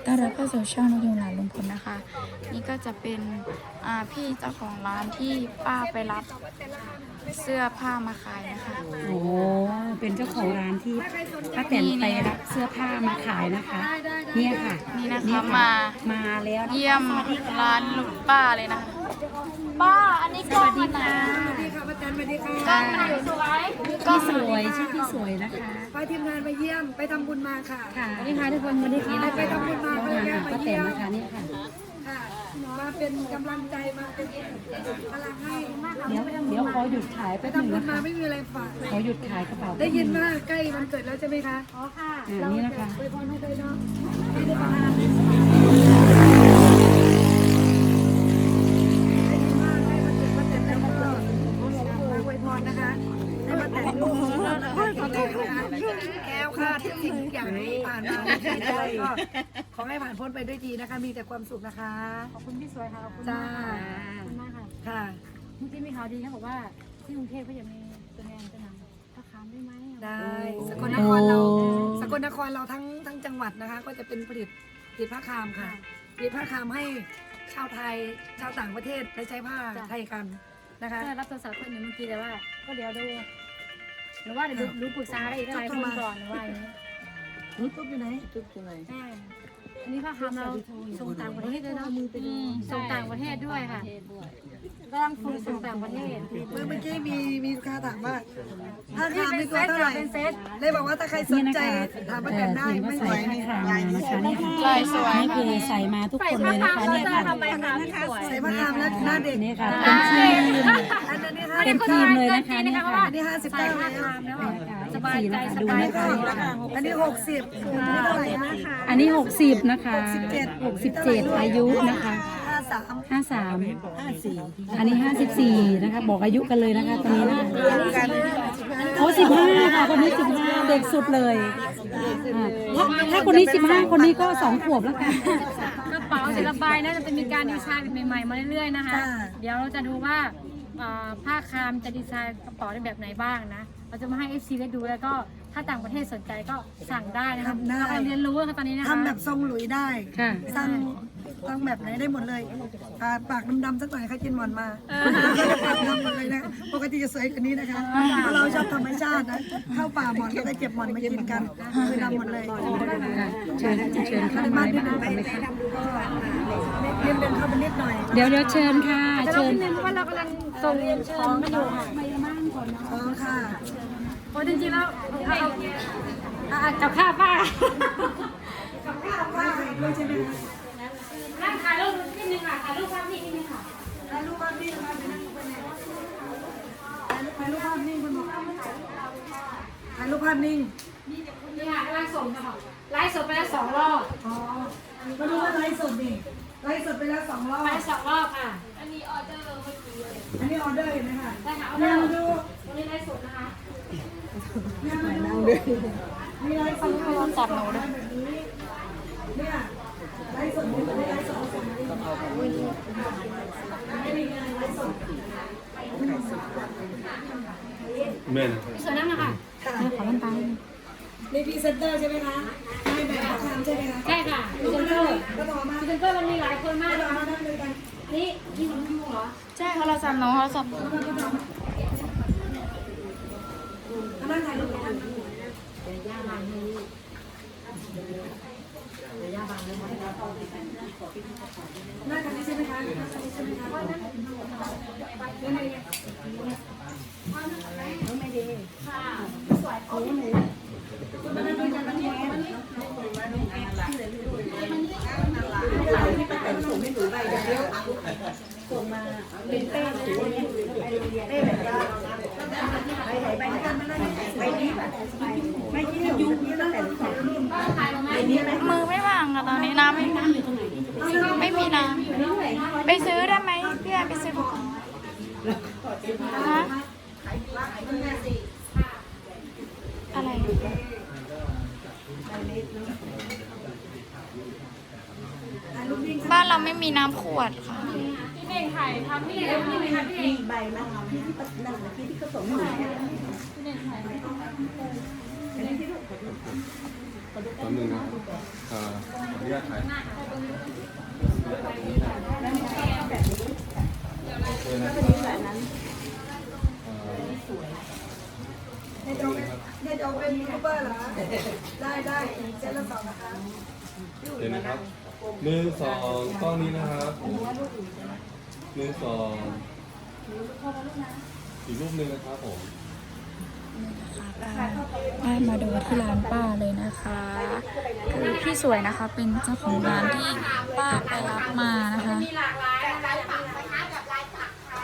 ต้อนรับเข้าสู่ช่องนกยูงหลานลุงพลนะคะ นี่ก็จะเป็นพี่เจ้าของร้านที่ป้าไปรับเสื้อผ้ามาขายนะคะโอ้เป็นเจ้าของร้านที่ป้าแตนไปรับเสื้อผ้ามาขายนะคะเนี่ยค่ะนี่นะคะมาแล้วนะคะเยี่ยมร้านลุงป้าเลยนะคะป้าอันนี้กล้องมันนะสวัสดีค่ะป้าแตนสวัสดีค่ะกล้องมันอยู่สวยพี่สวยชื่อพี่สวยนะคะพาทีมงานมาเยี่ยมไปทำบุญมาค่ะค่ะสวัสดีค่ะทุกคนสวัสดีค่ะไปทำบุญมาก็เลยค่ะมาป้าแตเยี่นยมนะคะเนี่ยค่ะค่ะมาเป็นกำลังใจมาเป็นพลังให้เดี๋ยวขอหยุดขายไปแป๊บหนึงทำบุญนะคะมาไม่มีอะไรฝากขอหยุดขายกระเป๋าได้ยินว่าใกล้วันเกิดแล้วใช่ไหมคะอ๋อค่ะนี่นะคะไปพรให้เลยเนาะไม่ได้ประทานให้วันเกิดป้าแตนแล้วก็มาอวยพรนะคะให้ป้าแตนลูกแก้วค่ะทุกสิ่งทุกอย่างที่ผ่านมาได้ก็ขอให้ผ่านพ้นไปด้วยดีนะคะ มีแต่ความสุขนะคะขอบคุณพี่สวยค่ะขอบคุณจ้ามากค่ะค่ะเมื่อกี้มีข่าวดีเขาบอกว่าที่กรุงเทพก็ยังมีตัวแทนจะนำผ้าคามได้ไหมได้สกลนครเราสกลนครเราทั้งจังหวัดนะคะ ก็จะเป็นผลิตผ้าคามค่ะผลิตผ้าคามให้ชาวไทยชาวต่างประเทศได้ใช้ผ้าไทยกันนะคะก็รับโทรศัพท์คนหนึ่งเมื่อกี้แต่ว่า ก็เดี๋ยวดูหรือว่าเดี๋ยวรู้ปรึกษาอะไรอีกหลายคนก่อนหรือว่าอย่างนี้ตุ๊บอยู่ไหนใช่อันนี้ผ้าคามเราส่งต่างประเทศด้วยเนาะส่งต่างประเทศด้วยค่ะกำลังฝึกส่งต่างประเทศเมื่อกี้มีลูกค้าถามว่าผ้าคามนี่ตัวเท่าไหร่เป็นเซตเลยบอกว่าถ้าใครสนใจถามป้าแตนได้พิมพ์ไม่ว่าไหวใส่ผ้าขาวมานะคะเนี่ยค่ะลายสวยนี่คือใส่มาทุกคนเลยนะคะเนี่ยค่ะทำไมคะพี่สวยใส่ผ้าคามแล้วหน้าเด็กนี่ค่ะเป็นทีมอันนี้เป็นทีมเลยนะคะเนี่ยค่ะอันนี้59 ผ้าแล้วคามแล้วสบายใจสดูบายนะใจคะอันนี้60อันนี้เท่าไหร่นะอันนี้60นะคะ67อายุนะคะ 53 53อันนี้54นะคะบอกอายุกันเลยนะคะตอนนี้นะคะโอ้15ค่ะคนนี้15เด็กสุดเลยถ้าคนนี้15คนนี้ก็2ขวบแล้วกันกระเป๋าศิลปายน่าจะเป็นมีการดีไซน์ใหม่ๆมาเรื่อยๆนะคะ เดี๋ยวเราจะดูว่าผ้าคามจะดีไซน์กระเป๋าในแบบไหนบ้างนะ เราจะมาให้ FC ได้ดูแล้วก็ถ้าต่างประเทศสนใจก็สั่งได้นะคะเรากำลังเรียนรู้ค่ะตอนนี้นะคะทำแบบทรงหลุยได้ค่ะสั่งตั้งแบบไหนได้หมดเลยปากดำๆสักหน่อยใครกินหมอนมาปากดำหมดเลยนะปกติจะสวยกว่านี้นะคะเพราะเราชอบธรรมชาตินะเข้าป่าหมอนก็ได้เก็บหมอนมากินกันคือดำหมดเลยเชิญเข้ามานะคะเรียนเป็นเข้าไปนิดหน่อยเดี๋ยวเชิญค่ะแต่เราเชิญคิดนึงว่าเรากำลังส่งของกันอยู่ค่ะอ๋อค่ะเพราะจริงๆแล้วกับข้าวป้าป้าใส่ด้วยใช่ไหมคะนั่งถ่ายรูปนิดนึงค่ะถ่ายรูปภาพนิ่งนิดนึงค่ะถ่ายรูปภาพนิ่งมาเป็นนั่งไปไหนถ่ายรูปภาพนิ่งคุณบอกถ่ายรูปภาพนิ่งนี่ค่ะกำลังส่งค่ะไลฟ์สดไปแล้ว2 รอบอ๋อมาดูว่าไลฟ์สดนี่ไลฟ์สดไปแล้ว2 รอบไป2 รอบค่ะอันนี้ออเดอร์เห็นไหมคะได้ค่ะเอานั่งเริ่มดูวันนี้ไลฟ์สดนะคะนั่งดูมีไลฟ์สดโทรศัพท์หนูด้วยเนี่ยไลฟ์สดไม่ไลฟ์สดแม่นะพี่สวยนั่งนะคะขอน้ำตาลมีพรีเซนเตอร์ใช่ไหมคะไม่แบบราคาใช่ไหมคะใช่ค่ะพี่เซนเตอร์ก็ต่อมาพี่เซนเตอร์มันมีหลายคนมากต่นะอคะมานั่งเลยกันนี่พี่สมพูเหรอใช่โทรศัพท์น้องโทรศัพท์นั่งถ่ายรูปกันนั่งกันนี้ใช่ไหมคะใช่ไหมคะไม่ดีมานั่งด้วยกันวันนี้ที่ป้าแตนส่งให้หนูไปเดี๋ยวส่งมาเป็นเป้เป้แบบว่าไปกันมานั่งไปนี้ไม่ที่ยุ่งนี่ตั้งแต่สองรุ่นถ่ายลงมามือไม่ว่างอะตอนนี้น้ำไม่มีไม่มีน้ำไปซื้อได้ไหมพี่แอนไปซื้อดูก่อนฮะอะไรบ้านเราไม่มีน้ำขวดค่ะพี่เน่งถ่ายทำนี่เลยนี่เลยค่ะพี่เน่งใบมะขามที่นั่งที่เขาส่งให้หนูพี่เน่งถ่ายแป๊บนึงนะครับขออนุญาตถ่ายเนี่ยจะเป็นยูทูบเบอร์เหรอได้เส้นละสองนะคะเดี๋ยวนะครับ1 2กล้องนี้นะครับ1 2อีกรูปหนึ่งนะครับผมได้มาดูที่ร้านป้าเลยนะคะคือพี่สวยนะคะเป็นเจ้าของร้านที่ป้าไปรับมานะคะมีหลากหลายลายปักนะคะกับลายปักค่ะ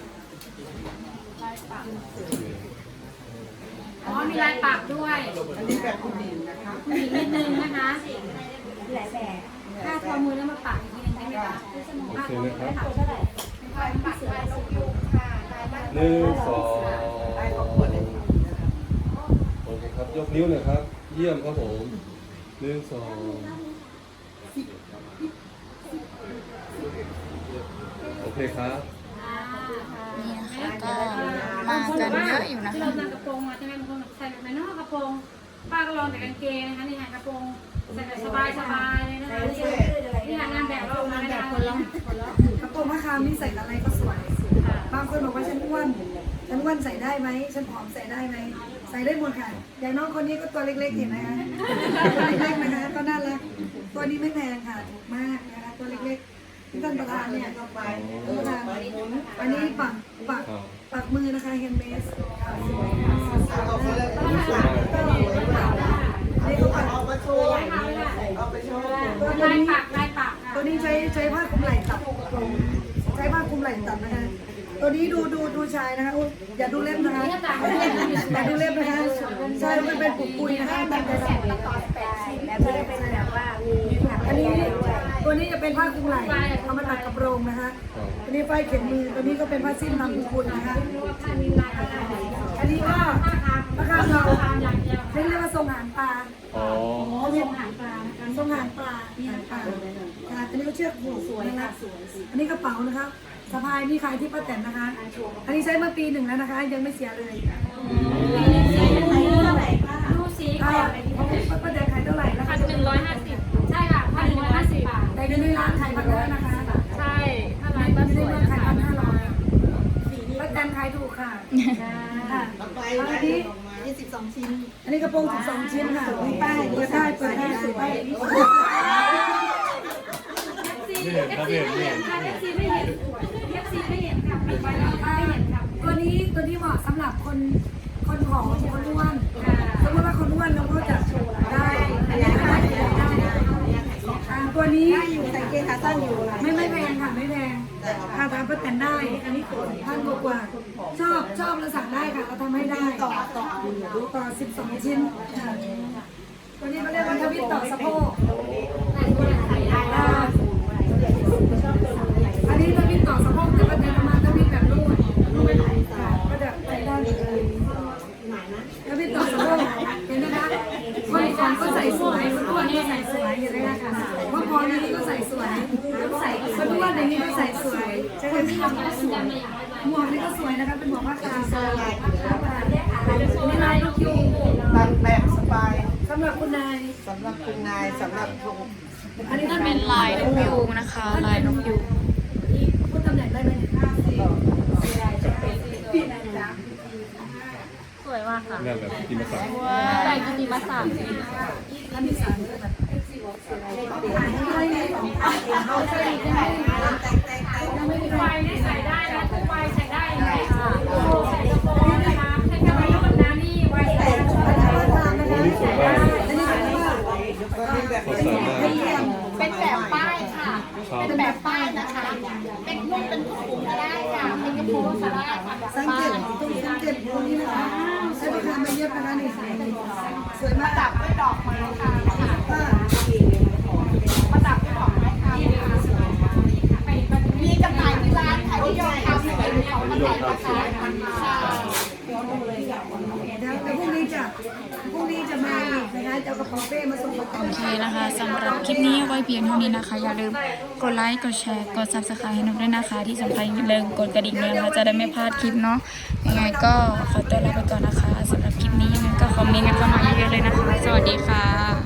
อ๋อมีลายปักด้วยอันนี้แบบผู้หญิงนะคะผู้หญิงนิดนึงนะคะหลายแบบถ้าทอมือแล้วมาปักอีกทีนึงได้ไหมคะโอเคนะครับเท่าไหร่ลายปักลายนกยูงค่ะลายปัก 1 2โอเคครับยกนิ้วหน่อยครับ เยี่ยมครับผม1 2โอเคครับนี่นะคะก็มากันเยอะอยู่นะที่คะเรานำกระโปรงมาใช่ไหมบางคนใส่แบบนอกกระโปรงป้าก็ลองแต่กางเกงนะคะนี่ค่ะกระโปรงใส่แบบสบายๆเลยนะคะนี่ค่ะงานแบบเราออกมาแล้วนะคะกระโปรงผ้าคามนี่ใส่อะไรก็สวยบางคนบอกว่าฉันอ้วนใส่ได้ไหมฉันผอมใส่ได้ไหมใส่ได้หมดค่ะอย่างน้องคนนี้ก็ตัวเล็กๆเห็นไหมคะตัวเล็กๆนะคะก็น่ารักตัวนี้ไม่แพงค่ะถูกมากนะคะตัวเล็กๆที่ท่านประธานเนี่ยท่านประธานอันนี้ปักมือนะคะเฮนเมสนี่ก็ปักลายปักลายปักค่ะตัวนี้ใช้ผ้าคลุมไหล่ตัดใช้ผ้าคลุมไหล่ตัดนะคะตัวนี้ดูชายนะคะอย่าดูเล็บนะคะอย่าดูเล็บนะคะใช่มันเป็นปุกปุยนะคะตั้งใจทำอันนี้ตัวนี้จะเป็นผ้าคลุมไหล่เอามาตัดกระโปรงนะคะตัวนี้ไฟเข็มมือตัวนี้ก็เป็นผ้าสิ้นทำปุกปุยนะคะอันนี้ก็ผ้าคามเราเรียกว่าทรงหางปลาอ๋อทรงหางปลาทรงหางปลาค่ะอันนี้ก็เชือกผูกสวยนะคะอันนี้กระเป๋านะคะสะพายนี่ขายที่ป้าแตนนะคะ อันนี้ใช้มาปี 1แล้วนะคะ ยังไม่เสียเลยดูสีก่อนป้าแตนขายเท่าไหร่นะคะ 150ใช่ค่ะ150 บาทแต่ในร้านขาย1,500นะคะใช่ถ้าในลายบ้าปันกไม่สได้วยเมืองนะขายคะ 1,500ป้าแตนขายถูกค่ะค่ะอันนี้12 ชิ้น อันนี้กระโปรง12 ชิ้นค่ะมีป้ายเปิดได้สวยนี่เห็นครับเห็น FC ไม่เห็น FC ไม่เห็นค่ะปิดไว้แล้วไม่เห็นค่ะตัวนี้เหมาะสำหรับคนผอมคนอ้วนสมมติว่าคนอ้วนเราก็จะได้ตัวนี้ใส่เกงขาสั้นอยู่ไม่แพงค่ะไม่แพงค่ะทำก็แต่งได้อันนี้1,000 กว่าชอบเราสั่งได้ค่ะเราทำให้ได้ต่อ12 ชิ้นค่ะตัวนี้เขาเรียกว่าทวิตต่อสะโพกอันนี้ทวิตต่อสะโพกแต่ก็จะมาทวิตแบบรูดก็จะใส่ได้เลยทวิตต่อสะโพกเห็นไหมคะคนของก็ใส่สวยคนอ้วนก็ใส่สวยเห็นไหมคะว่าพอนี้ก็ใส่สวยคนอ้วนอย่างนี้ก็ใส่สวยคนที่ทำก็สวยหมวกนี่ก็สวยนะคะเป็นหมวกผ้าคามนี่ลายลูกยุงตัดแบบสบายสำหรับคุณนายสำหรับคุณนายสำหรับคุณอันนี้นั่นเป็นลายนกยูงนะคะ ลายนกยูงพูดตำแหน่งได้ไหมสวยมากค่ะเนี่ยแบบกินมาสั่งลายกิติมศักดิ์อันที่3เลยค่ะเอาใส่ได้ทุกวัยนี่ใส่ได้นะทุกวัยใส่ได้เลยค่ะใส่กระโปรงนะคะใส่กระโปรงนะนี่วัยใส่ได้วันนี้สวยมากอันนี้เป็นว่าสดใสมากเป็นแบบป้ายค่ะครับเป็นแบบป้ายนะคะ เป็นนุ่งเป็นถุงก็ได้ค่ะ เป็นกระโปรงก็ได้ค่ะแบบสังป้าเกยตตรงนี้นะคะใช้ราคาไม่เยอะนะคะนี่สวยมากดับด้วยดอกไม้ค่ะป้าประดับด้วยดอกไม้ค่ะมีจำหน่ายที่ร้านค่ะที่ยอดทำเป็นของมาแต่งนะคะค่ะแต่พรุ่งนี้จะมาอีกนะคะจะเอากระเป๋าเป้มาส่งประกันโอเคนะคะสำหรับคลิปนี้ไว้เพียงเท่านี้นะคะ อย่าลืมกดไลค์กดแชร์กด subscribe ให้นุกด้วยนะคะ ที่สำคัญอย่าลืมกดกระดิ่งด้วยนะคะจะได้ไม่พลาดคลิปเนาะยังไงก็ขอตัวลาไปก่อนนะคะสำหรับคลิปนี้ยังไงก็คอมเมนต์กันเข้ามาเยอะๆเลยนะคะ สวัสดีค่ะ